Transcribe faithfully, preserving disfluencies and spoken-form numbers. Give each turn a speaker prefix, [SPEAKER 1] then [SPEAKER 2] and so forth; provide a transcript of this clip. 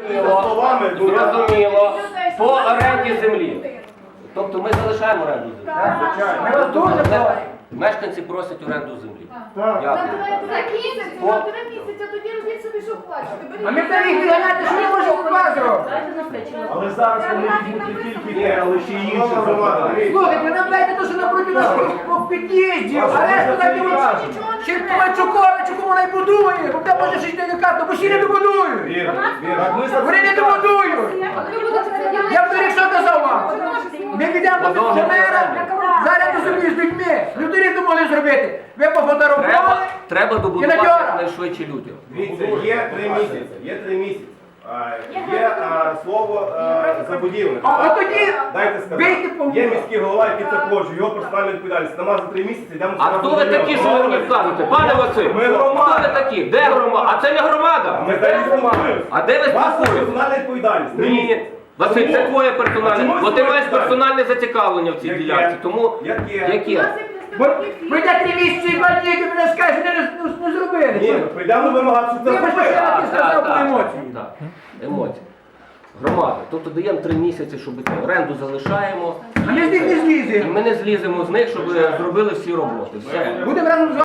[SPEAKER 1] Зрозуміло. По оренді землі. Тобто ми залишаємо оренду землі?
[SPEAKER 2] Ми вас дуже просимо.
[SPEAKER 1] Мешканці просять оренду землі.
[SPEAKER 2] Так.
[SPEAKER 1] Дякую.
[SPEAKER 3] За місяць, за три місяці, тоді робіть собі, що хочете.
[SPEAKER 2] А ми тоді гляньте, що ми можемо у вас зробити.
[SPEAKER 4] Але зараз вони візьмуть не тільки те, але ще й інші зарплати.
[SPEAKER 2] Слухайте, нам дайте те, що напроти нас по під'їзді, а решту дайте чи Ковальчуковичу, кому вона й будує, бо там може щось не викатно, бо ще не добудують.
[SPEAKER 4] Вірно, вірно.
[SPEAKER 2] Вони не добудують. Я в торік що казав вам? Ми підемо до мера, зараз до землі з людьми. Ми в торік не могли зробити. Ви
[SPEAKER 1] Треба,
[SPEAKER 2] пофотографували.
[SPEAKER 1] треба добудувати
[SPEAKER 2] Кінотеатр.
[SPEAKER 1] найшвидше людям.
[SPEAKER 4] Дивіться, є три місяці, є три місяці. А, Є а, слово а, забудівник.
[SPEAKER 2] А от тоді
[SPEAKER 4] Дайте
[SPEAKER 2] бийте по
[SPEAKER 4] сказати. Є
[SPEAKER 2] вухах.
[SPEAKER 4] міський голова, який це хоче, його персональна відповідальність. Нема за три місяці, йдемо
[SPEAKER 1] А хто ви такі, що ви мені вказуєте? Пане Василь,
[SPEAKER 4] Ми
[SPEAKER 1] хто
[SPEAKER 4] громада.
[SPEAKER 1] ви такі? Де громада? А це не громада.
[SPEAKER 4] Ми зараз спілкуємося.
[SPEAKER 1] А де ви
[SPEAKER 4] Ваша
[SPEAKER 1] спілкуєтесь?
[SPEAKER 4] персональна відповідальність. Три місяці.
[SPEAKER 1] Ні. Василь, це твоє персональне,
[SPEAKER 4] Чому
[SPEAKER 1] бо ти
[SPEAKER 4] це
[SPEAKER 1] маєш
[SPEAKER 4] відповідальність?
[SPEAKER 1] персональне зацікавлення в цій
[SPEAKER 4] Яке?
[SPEAKER 1] ділянці. Тому
[SPEAKER 4] Яке?
[SPEAKER 1] яке?
[SPEAKER 2] Бо пройде три місяці і два дні, і мене скажуть, що не, не зробили.
[SPEAKER 4] Ні, ну, прийдемо вимагати, щоб це
[SPEAKER 2] Вибачте,
[SPEAKER 4] зробити.
[SPEAKER 2] я
[SPEAKER 1] Так,
[SPEAKER 2] не сказав
[SPEAKER 1] так,
[SPEAKER 2] по
[SPEAKER 1] так,
[SPEAKER 2] емоції.
[SPEAKER 1] так. Емоції. Громада. Тобто даємо три місяці, щоб це оренду залишаємо.
[SPEAKER 2] А ми з них не
[SPEAKER 1] І
[SPEAKER 2] зліземо.
[SPEAKER 1] ми не зліземо з них, щоб зробили всі роботи. Все.
[SPEAKER 2] Будемо разом з